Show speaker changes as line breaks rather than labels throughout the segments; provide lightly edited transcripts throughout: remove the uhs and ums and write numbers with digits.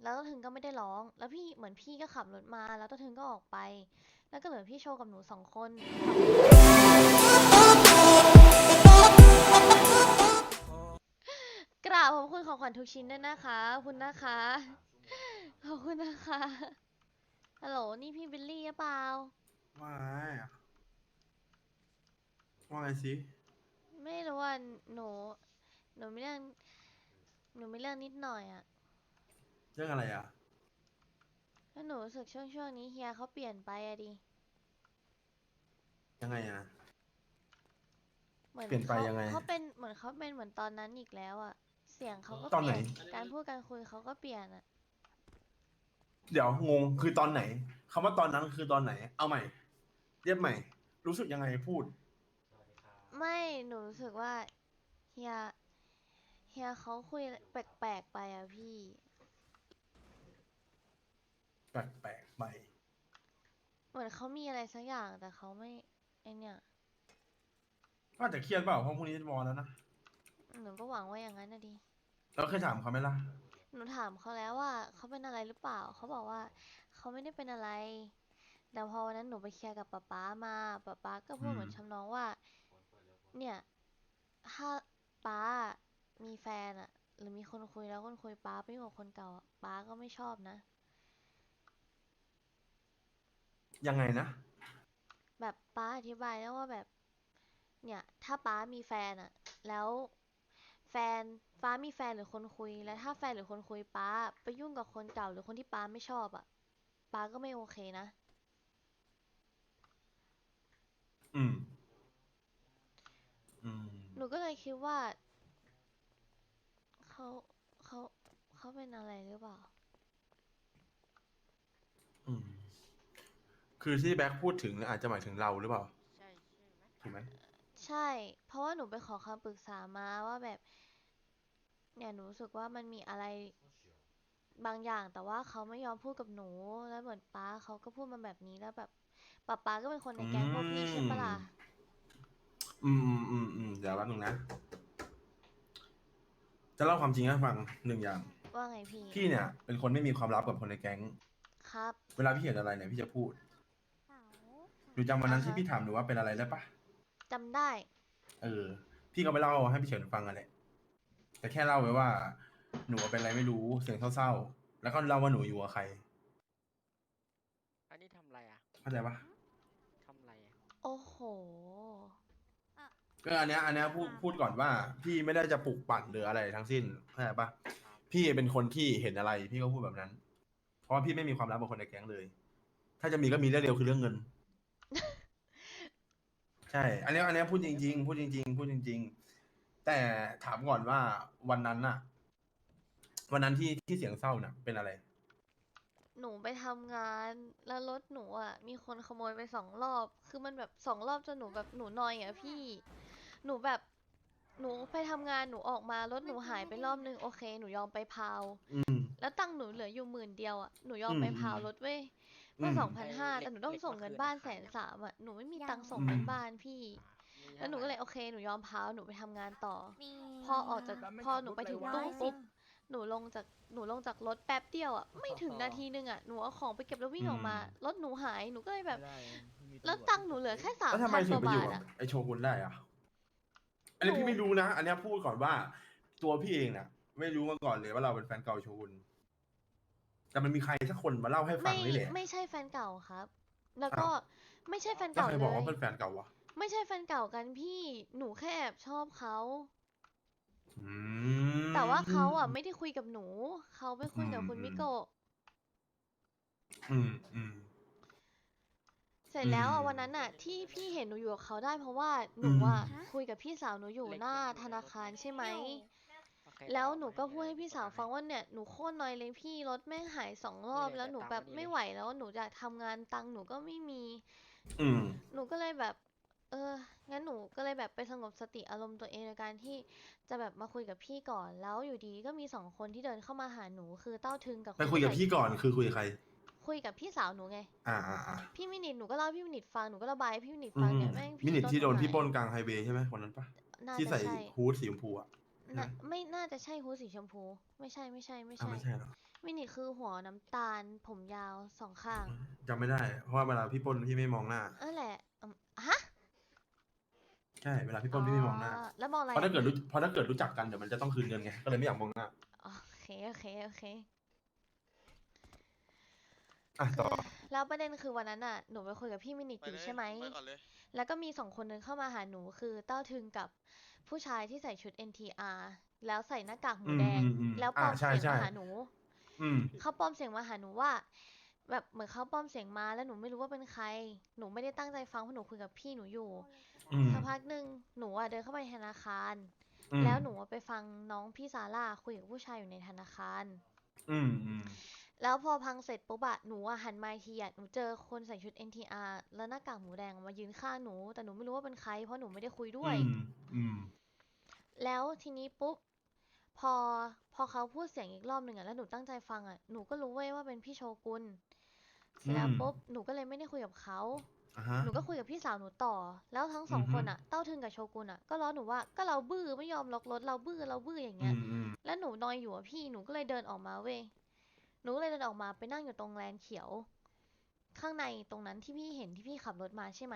แล้วต้าถึงก็ไม่ได้ร้องแล้วพี่เหมือนพี่ก็ขับรถมาแล้วต้าถึงก็ออกไปแล้วก็เหลือพี่โชว์กับหนู2 คนกราบขอบคุณของขวัญทุกชิ้นด้วยนะคะขอบคุณนะคะขอบคุณนะคะฮัลโหลนี่พี่บิลลี่หรือเปล่า
ว่าไงว่าไงสิ
ไม่รู้ว่าหนูหนูไม่เรื่องหนูไม่เรื่องนิดหน่อยอะ
เรื่องอะไรอ่ะ
แล้วหนูรู้สึกช่วงนี้เฮียเขาเปลี่ยนไปอะดิ
ยังไงอ่ะ
เหมือน
เปลี่ยนไป
เขา
ยังไง
เขาเป็นเหมือนเขาเป็นเหมือนตอนนั้นอีกแล้วอะเสียงเขาก็
ตอนไหน
เปลี่ยนการพูดการคุยเขาก็เปลี่ยนอะ
เดี๋ยวงงคือตอนไหนคำว่าตอนนั้นคือตอนไหนเอาใหม่เรียบใหม่รู้สึกยังไงพูด
ไม่หนูรู้สึกว่าเฮียเฮียเขาคุยแปลกๆไปอะพี่
แปลกๆไป
เหมือนเขามีอะไรสักอย่างแต่เขาไม่ไอเนี่ย
ก็อาจจะเครียดเปล่าเพราะพรุ่งนี้จะวอลแล้วนะ
หนูก็หวังว่าอย่างนั้นนะดิ
แล้วเคยถามเขาไหมล่ะ
หนูถามเขาแล้วว่าเขาเป็นอะไรหรือเปล่าเขาบอกว่าเขาไม่ได้เป็นอะไรแต่พอวันนั้นหนูไปเคลียร์กับป๊ามาป๊าก็พู
อืม
ดเหมือนทำนองว่าเนี่ยถ้าป๊ามีแฟนอะหรือมีคนคุยแล้วคนคุยป๊าไปอยู่กับคนเก่าอะป๊าก็ไม่ชอบนะ
ยังไงนะ
แบบป๊าอธิบายแล้วว่าแบบ เนี่ยถ้าป๊ามีแฟนอะแล้วแฟนฟ้ามีแฟนหรือคนคุยแล้วถ้าแฟนหรือคนคุยป๊าไปยุ่งกับคนเก่าหรือคนที่ป๊าไม่ชอบอะป๊าก็ไม่โอเคนะ
อืมอืม
หนูก็เลยคิดว่าเขาเขาเขาเป็นอะไรหรือเปล่า
อืมคือที่แบ็คพูดถึงอาจจะหมายถึงเราหรือเปล่าถูกไหม
ใช่เพราะว่าหนูไปขอคำปรึกษามาว่าแบบเนี่ยหนูรู้สึกว่ามันมีอะไรบางอย่างแต่ว่าเขาไม่ยอมพูดกับหนูแล้วเหมือนป๊าเขาก็พูดมาแบบนี้แล้วแบบป๊าก็เป็นคนใน
อื
แก๊งพวกพี่ใช่ปะล่ะ
มเดี๋ยวแป๊บนึงนะจะเล่าความจริงให้ฟังหนึ่งอย่าง
ว่าไงพี่
พี่เนี่ยเป็นคนไม่มีความลับกับคนในแก๊ง
ครับ
เวลาพี่เห็นอะไรเนี่ยพี่จะพูดหนูจำวัน
อ่าฮะ
นั้นที่พี่ถามหนูว่าเป็นอะไรได้ปะ
จำได้
เออพี่ก็ไปเล่าให้พี่เฉินฟังกันแหละแต่แค่เล่าไว้ว่าหนูเป็นอะไรไม่รู้เสียงเศร้าๆแล้วก็เล่าว่าหนูอยู่กับใคร
อันนี้ทำอะไรอ่ะ
เข้าใจปะ
ทำอะไรอ่ะ
โอ้โห
ก็อันเนี้ยพูดก่อนว่าพี่ไม่ได้จะปลุกปั่นหรืออะไรทั้งสิ้นเข้าใจปะ
ครับ
พี่เป็นคนที่เห็นอะไรพี่ก็พูดแบบนั้นเพราะว่าพี่ไม่มีความลับกับคนในแก๊งเลยถ้าจะมีก็มีเรื่องเดียวคือเรื่องเงินใช่อันเนี้ยพูดจริงๆพูดจริงๆแต่ถามก่อนว่าวันนั้นน่ะวันนั้นที่เสียงเศร้าน่ะเป็นอะไร
หนูไปทำงานแล้วรถหนูอ่ะมีคนขโมยไป2 รอบคือมันแบบ2 รอบจนหนูแบบหนูนอยอ่ะพี่หนูแบบหนูไปทำงานหนูออกมารถหนูหายไปรอบนึงโอเคหนูยอมไปพาว
อืม
แล้วตังค์หนูเหลืออยู่10,000อ่ะหนูยอมไป
อืมอืม
พาวรถเว้ย
อื
เมื่อ
ม
2,500
เหล็
แต่หนูต้อง
กเหล็ก
ส่งเงินบ้าน
เมื่อคืนขายยัง
130,000อ่ะหนูไม่มีตังค์ส่ง
อืม
เงินบ้านพี่
อ่ามี
แล้วหนู
เท่าไหร่อ่ะ
ก็เลยโอเคหนูยอมพาวหนูไปทำงานต่อ
มี
พอออกจากพอหนูไปถึงตู้ปุ๊บ หนูลงจากหนูลงจากรถแป๊บเดียวอ่ะไม่ถึงนาทีนึงอ่ะหนูเอาของไปเก็บแล้ววิ่ง
อืม
ออกมารถหนูหายหนูก็เลยแบบ
ไม่ได้ไม่มี
แล้ว
ตำรวจ
ตังค์หนูเหลือแค่สา
แล้วทำไม
มพันก
ถึงไปอยู่กับ
ว่าบาทอ่ะ
ไอโชกุนได้อะอัน
หนู
นี้พี่ไม่รู้นะอันเนี้ยพูดก่อนว่าตัวพี่เองเนี่ยไม่รู้มาก่อนเลยว่าเราเป็นแฟนเก่าโชกุนแต่มันมีใครสักคนมาเล่าให้ฟั
ไม่
งนี่แหละ
ไม่ใช่แฟนเก่าครับแล้วก็
อ้าว
ไม่ใช่แฟน
แล้วใครบ
เก่าเลย
อกว่าเป็นแฟนเก่าวะ
ไม่ใช่แฟนเก่ากันพี่หนูแค่แอบชอบเขา
อื
แต่ว่าเขาอ่ะ
ม
ไม่ได้คุยกับหนูเขาไปคุ
อื
ยกับ
มอืม
คุณมิโกะ
อืมอืม
เสร็จ
อื
แล้ว
ม
อ่ะวันนั้นอ่ะที่พี่เห็นหนูอยู่กับเขาได้เพราะว่าห
อืม
นูอ่ะคุยกับพี่สาวหนูอยู่
เหล็ก
หน้า
ยังอยู่
ธนา
ในรถไหม
คารใช่ไหม
โอเค
แล้ว
เดี๋ยว
หนูก็พูดให้พี่สาวฟังว่าเนี่ยหนูโคตรนอยเลยพี่รถแม่งหาย2 รอบ
นี่เลยเดี๋ยว
แล้วหนูแบบ
ตามมานี่เลย
ไม่ไหวแล้วหนูอยากทำงานตังค์หนูก็ไม่มี
อืม
หนูก็เลยแบบเอองั้นหนูก็เลยแบบไปสงบสติอารมณ์ตัวเองในการที่จะแบบมาคุยกับพี่ก่อนแล้วอยู่ดีก็มี2 คนที่เดินเข้ามาหาหนูคือเต้าทึงกับ
ไปคุย
คนที่ใส่
กับพี่ก่อนคือคุยกับใคร
คุยกับพี่สาวหนูไง
อ่า
พี่มินิทหนูก็เล่าให้พี่มินิทฟังหนูก็ระบายให้พี่มินิท
อืม
ฟังเนี่ยแม่ง
มินิ
พี่รถ
ที่โดนพี่
หนูหาย
ปล้นกลางไฮเวย์ใช่ไหมคนนั้นปะที่ใส่
น่าจะใช่
ฮู้ดสีชมพูอะใช่ไหม
น่ะไม่น่าจะใช่ฮู้ดสีชมพูไม่ใช่ไม่ใช่ไม่
อ่า
ใช่
ไม่ใช่หรอ
มินิคือหัวน้ำตาลผมยาวสองข้าง
จำไม่ได้ เพราะว่าเวลาพี่ปล้นพี่ไม่มองหน้า
นั่นแหละฮะ
ใช่ เวลาพี่ปล้นพี่ไม่มองหน้า
แล้วมองอะไร
เพราะถ้าเกิดรู้จักกันเดี๋ยวมันจะต้องคืนเงินไง ก็เลยไม่อยากมองหน้า
โอเคโอเค
อ่ะต่อ
แล้วประเด็นคือวันนั้นน่ะหนูไปคุยกับพี่มินิ
ไป
อยู่
เลย
ใช่ไหม
ไปก่อนเลย
แล้วก็มีสองคนนึงเข้ามาหาหนูคือเต้าทึงกับผู้ชายที่ใส่ชุด NTR แล้วใส่หน้ากากหมูแดง แล้วปลอม
ใช่
เสียง
ใช่
มาหาหนู
อืม
เขาปลอมเสียงมาหาหนูว่า แบบเหมือนเขาปลอมเสียงมาแล้วหนูไม่รู้ว่าเป็นใคร หนูไม่ได้ตั้งใจฟังเพราะหนูคุยกับพี่หนูอยู่
อืม
สักพักหนึ่งหนูอะเดินเข้าไปธนาคาร
อืม
แล้วหนูอะไปฟังน้องพี่ซาร่าคุยกับผู้ชายอยู่ในธนาคาร
อืม อืม
แล้วพอพังเสร็จปุ๊บอะหนูอะหันมาอีกทีอะหนูเจอคนใส่ชุด NTR แล้วหน้ากากหมูแดงมายืนข้างหนู แต่หนูไม่รู้ว่าเป็นใครเพราะหนูไม่ได้คุยด้วย
อืม
แล้วทีนี้ปุ๊บพอเขาพูดเสียงอีกรอบหนึ่งอะแล้วหนูตั้งใจฟังอะหนูก็รู้เว้ยว่าเป็นพี่โชกุนเสร็จแล้วปุ๊บหนูก็เลยไม่ได้คุยกับเขา
อ่ะฮะ
หนูก็คุยกับพี่สาวหนูต่อ แล้วทั้งสอง
อือฮึ
คนอะเต้าทึงกับโชกุนอะก็ล้อหนูว่าก็เราบื้อไม่ยอมล็อกรถเราบื้ออย่าง
อื
เงี้ย
ม อืม
แล้วหนูนอยอยู่อะพี่หนูก็เลยเดินออกมาเว้ยหนูก็เลยเดินออกมาไปนั่งอยู่ตรงแลนเขียว ข้างในตรงนั้นที่พี่เห็นที่พี่ขับรถมาใช่ไหม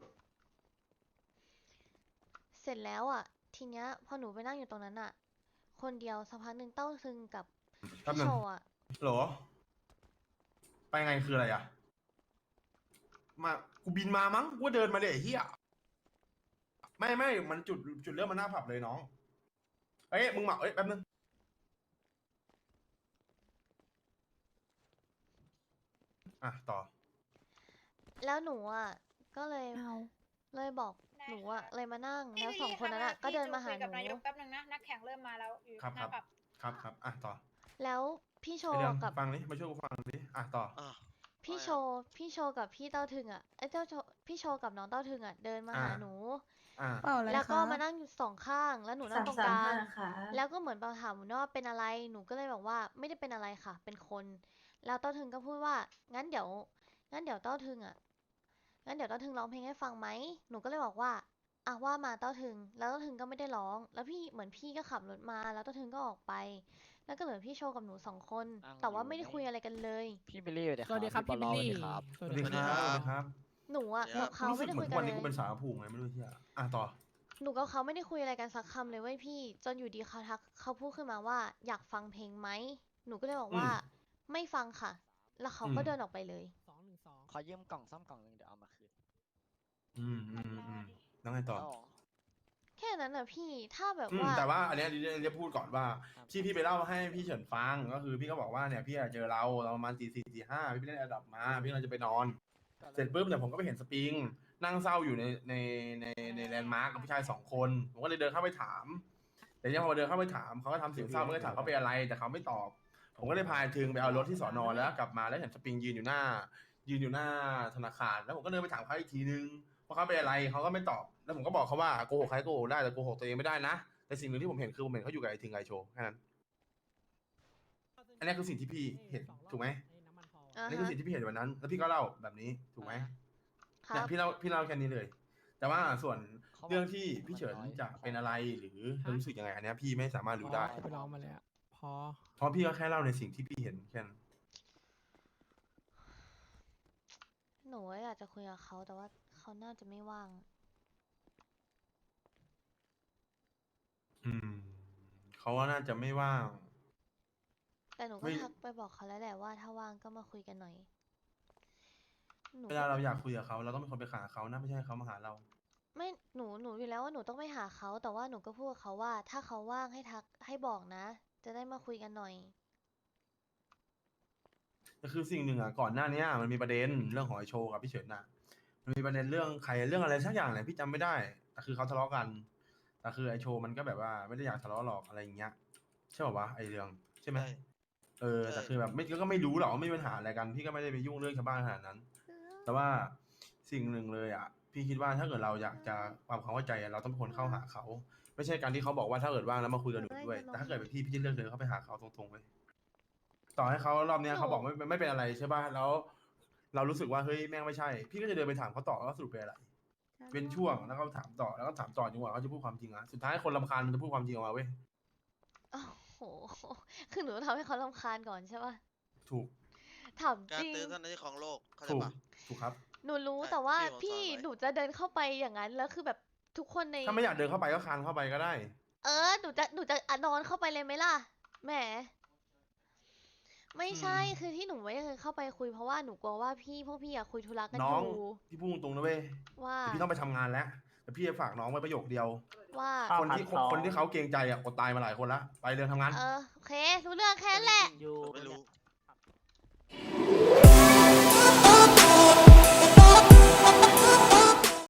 เสร็จแล้วอ่ะ ทีเนี้ยพอหนูไปนั่งอยู่ตรงนั้นอ่ะ คนเดียวสักพักหนึ่งเต้าซึงกับ
แป๊บ
พี่
นึ
โช
ง
อ่ะ
โหล ไปไงคืออะไรอ่ะ มากูบินมามั้งกูเดินมาเลยไอ้เหี้ยไม่มันจุดเริ่มมันหน้าผับเลยน้องเอ้ยมึงมาเอ้ยแป๊บนึงอ่ะต่อ
แล้วหนูอ่ะก็เลยบอกหนูอ่ะเลยมานั่ง แล้วสองคนนั้นอ่ะก็เดินมาหาห
กับ
นู
นายกแป๊บนึงนะนักแข่งเริ่มมาแล้วอยู่
ครับ
หน้าผับ
ครับอ่ะต่อ
แล้วพี่โช
ไอเรื่อง
กับ
ฟังนี้มาช่วยกูฟังดิอ่ะต่อ
พี่โชกับพี่เต้าทึงอ่ะไอ้พี่โชกับน้องเต้าทึงอ่ะเดินมาหา
อ่า
หนู
อ่ะ
เปล่าเลย
แล้วก็
คะ
มานั่งอยู่สองข้าง แล้วหนูนั่งตรงกลาง
ค่ะ
แล้วก็เหมือนถามหนูว่าเป็นอะไร หนูก็เลยบอกว่าไม่ได้เป็นอะไรค่ะ เป็นคน แล้วเต้าทึงก็พูดว่า งั้นเดี๋ยวเต้าทึงอ่ะ งั้นเดี๋ยวเต้าทึงร้องเพลงให้ฟังไหม หนูก็เลยบอกว่าอ่ะว่ามาเต้าทึง แล้วเต้าทึงก็ไม่ได้ร้อง แล้วเหมือนพี่ก็ขับรถมา แล้วเต้าทึงก็ออกไป แล้วก็เหลือพี่โชกับหนูสองคน
อ้าว
แต่ว่า
อยู่
ไม่ได้
ไหน
คุยอะไรกันเลย
พี่บิลลี่สวัสดี
สวัสดีครับ
พี่
พี่
บ
บิ
อ
ล
ล
ลี่
สวัสดีครับ
สวัสดีครับสวัสดีครับ
หนูอ่ะ
เดี๋ยว
กับเขา
รู้สึ
ไม่
ก
ได้
เหมื
คุ
อย น
กั
วัน น
เล
นี้
ย
กูเป็นสาวผูงไงไม่รู้เที่ยอ่ะต่อ
หนูกับเขาไม่ได้คุยอะไรกันสักคำเลยเว้ยพี่ จนอยู่ดีเขาพูดขึ้นมาว่าอยากฟังเพลงไหม หนูก็เลยบอกว่า ไม่ฟังค่ะ แล้วเขาก็เดินออกไปเลย
ขอยืมกล่องซ่อมกล่องหนึ่งเดี๋ยวเอามาคืน
แล้วไงต่อ
แล้วเหรอ
แค่นั้นน่ะพี่ถ้าแบบ
อืม
ว่า
แต่ว่าอันเนี้ยจะพูดก่อนว่า
ครับ
พี่ไปเล่าให้พี่เฉินฟังก็คือพี่ก็บอกว่าเนี่ยพี่อะเจอเราประมาณตี 4 ตี 5พี่ไปเล่นระดับมาพี่เราจะไปนอน เสร็จปุ๊บเนี่ยผมก็ไปเห็นสปริงนั่งเศร้าอยู่ในแลนด์มาร์กกับผู้ชาย2 คนผมก็เลยเดินเข้าไปถาม แต่เนี่ยพอเดินเข้าไปถามเขาก็ทำเสียงเศร้าไม่ได้ถามเขาเป็นอะไรแต่เขาไม่ตอบ ผมก็เลยพาถึงไปเอารถที่สอนอแล้วกลับมาแล้วเห็นสปริงยืนอยู่หน้าธนาคารแล้วผมก็เดินไปถามเขาอีกทีนึงว่าเขาเป็นอะไรเขาก็ไม่ตอบแล้วผมก็บอกเขาว่าโกหกใครโกหกได้แต่โกหกตัวเองไม่ได้นะแต่สิ่งหนึ่งที่ผมเห็นคือผมเห็นเขาอยู่กับไอ้ถึงไอโชว์แค่นั้นอันนี้คือสิ่งที่พี่เห็นถูกไหม
อ่า
อันนี้คือ
ฮะ
สิ่งที่พี่เห็นวันนั้น แล้วพี่ก็เล่าแบบนี้ถูกไหม
ครั
เนี่ย
บ
พี่เล่าแค่นี้เลย แต่ว่าส่วน
เขาบอก
เรื่องที่พี่เฉิน
มันน้อย
จะเป็นอะไรหรือรู้สึกยังไงอันเนี้ยพี่ไม่สามารถรู้ได้
ไปร้องมาแล้วพอ
เพราะพี่ก็แค่เล่าในสิ่งที่พี่เห็นแค่นั้น
หนูอยากจะคุยกับเขาแต่ว่าเขาน่าจะไม่ว่าง
อืมเขาว่าน่าจะไม่ว่าง
แต่หนูก็
ไม่
ทักไปบอกเขาแล้วแหละว่าถ้าว่างก็มาคุยกันหน่อยหนู
เวลาเราอยากคุยกับเขาเราต้องเป็นคนไปหาเขานะไม่ใช่เขามาหาเรา
ไม่หนูอยู่แล้วว่าหนูต้องไปหาเขาแต่ว่าหนูก็พูดกับเขาว่า ถ้าเขาว่างให้ทักให้บอกนะ จะได้มาคุยกันหน่อย
แต่คือสิ่งหนึ่งอ่ะก่อนหน้านี้มันมีประเด็นเรื่องของไอโชว์กับพี่เฉินน่ะ มันมีประเด็นเรื่องใครเรื่องอะไรสักอย่างแหละพี่จำไม่ได้ แต่คือเขาทะเลาะกัน แต่คือไอโชว์มันก็แบบว่าไม่ได้อยากทะเลาะหรอกอะไรอย่างเงี้ยใช่ป่าวะไอเรื่องใช่ไหม
ใช่
เออแต่คือแบบไม่ก็ไม่รู้หรอกว่าไม่มีปัญหาอะไรกัน พี่ก็ไม่ได้ไปยุ่งเรื่องชาวบ้านขนาดนั้น แต่ว่าสิ่งหนึ่งเลยอ่ะ พี่คิดว่าถ้าเกิดเราอยากจะความเข้าใจอะเราต้องเป็นคนเข้าหาเขา ไม่ใช่การที่เขาบอกว่าถ้าเกิดว่างแล้วมาคุยกับหนูด้วย แต่ถ้าเกิดเป็นพี่จะเลือกเดินเข้าไปหาเขาตรงๆเลยต่อให้เขารอบเนี้ยเขาบอกไม่เป็นอะไรใช่ป่ะแล้วเรารู้สึกว่าเฮ้ยแม่งไม่ใช่ พี่ก็จะเดินไปถามเขาต่อว่าสรุปเป็นอะไร เป็นช่วงแล้วก็ถามต่อแล้วก็ถามต่อจนกว่าเขาจะพูดความจริงอ่ะสุดท้ายคนรำคาญมันจะพูดความจริงออกมาเว้ย
อ้าวโหคือหนูต้องทำให้เขารำคาญก่อนใช่ปะ
ถูก
ถาม
การ
จริง
ตื้อเท่านั้นที่ของโลกเข้าใจ
ถูก
ปะ
ถูกครับ
หนูรู้
ใช่
แต่ว่า
พี่
พี่
ผมสอนไว้
หนูจะเดินเข้าไปอย่างนั้นแล้วคือแบบทุกคนใน
ถ้าไม่อยากเดินเข้าไปก็คานเข้าไปก็ได้
หนูจะนอนเข้าไปเลยไหมล่ะแหมไม่ใช่
อืม
คือที่หนูไม่เคยเข้าไปคุยเพราะว่าหนูกลัวว่าพวกพี่อะคุยธุระกัน
น้
อ
อง
ยู่
พี่พูดตรงๆนะเว้ย
ว่า
แต่พี่ต้องไปทำงานแล้ว แต่พี่จะฝากน้องไว้ประโยคเดียว
ว่า
คนที่เขาเกรงใจอ่ะอดตายมาหลายคนละไปเดินทำงาน
โอเครู้เรื่องแค่นั้นแหละ
อยู่
ผมไม่รู้